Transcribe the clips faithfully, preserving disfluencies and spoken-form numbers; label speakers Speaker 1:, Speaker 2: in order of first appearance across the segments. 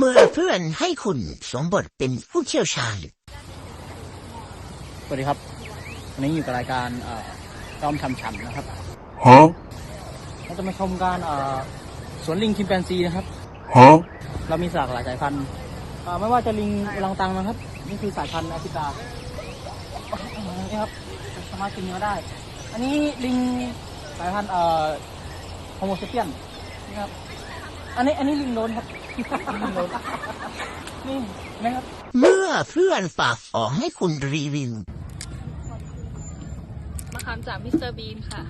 Speaker 1: มื่อเพื่อนให้คุณสวมบทเป็นผู้เชี่ยวชาญ
Speaker 2: สวัสดีครับวันนี้อยู่กับรายการจอมช่ำฉันนะครับ
Speaker 3: ฮะ
Speaker 2: เราจะมาชมการสวนลิงชิมแปนซีนะครับ
Speaker 3: ฮะ
Speaker 2: เรามีหลากหลายสายพันธุ์ไม่ว่าจะลิงอลังตังนะครับนี่คือสายพันธุ์แอฟริกานี่ครับสามารถกินเนื้อได้อันนี้ลิงสายพันธุ์โฮโมเซเปียนนี่ครับอันนี้อันนี้ลิงโลนครับลิงโลนนี่นะครับ
Speaker 1: เมื่อเพื่อนฝากของให้คุณรีวิว
Speaker 4: มะขามจากมิสเตอร์บีนค่ะ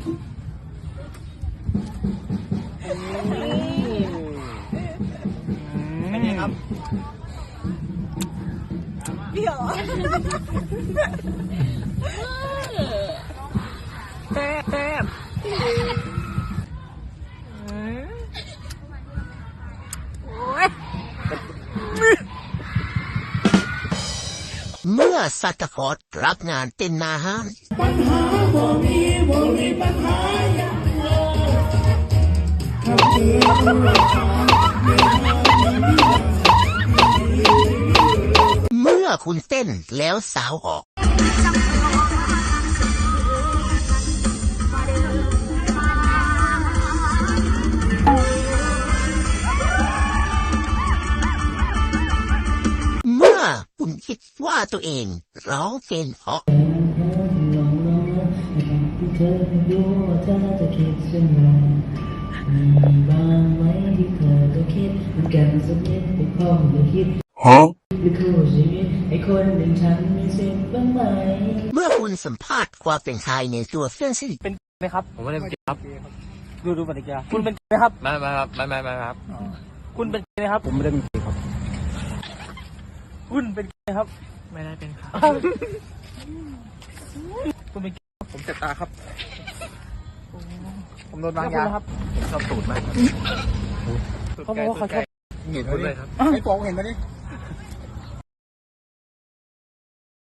Speaker 2: เป็นไงครับ
Speaker 4: เดี๋ยวแซ่บแซ่บ
Speaker 1: เมื่อซัตตาคอร์ดรับงานเป็นนาฮาน
Speaker 5: ปัญหาบ่มีบ่มีปัญหาอย่างเดียวถ้าเจอราคา
Speaker 1: เมื่อคุณเต้นแล้วสาวออกเมื่อคุณคิดว่าตัวเองร้องเพลงเพราะ
Speaker 5: เธอดูว่าเธอจะคิดเช่นไรมีบ้างไหมที่เธอก็คิดเหมือนกันสักนิดไม่พอไม่คิด
Speaker 3: ฮะ
Speaker 5: หรือคู่ชีวิตให้คนหนึ่งฉันมีสิทธิ์บ้างไหม
Speaker 1: เมื่อคุณสัมภาษณ์ความเป็นชายในตัวเพื่อนสนิท
Speaker 2: เป็นไหมครับ
Speaker 3: ผมไม่ได้เป็นครับ
Speaker 2: ดูดูปฏิกิริยาคุณเป็นไหมครับ
Speaker 3: ไม่ไม่ครับไม่ไม่ไม่ครับ
Speaker 2: คุณเป็นไหมครับผมไม่ได้เป็นครับคุณเป็นไหมครับ
Speaker 3: ไม่ได้เป็นครับ
Speaker 2: คุณเป็น
Speaker 3: ผมเจ็บตาครับ
Speaker 2: ผมโดนวางยาครับ
Speaker 3: ชอบตูดมาก
Speaker 2: เขาบอกว่าเขาชอบ
Speaker 3: เห็นเลยครับ
Speaker 2: ไอ้โป๋งเห็นไหมนี่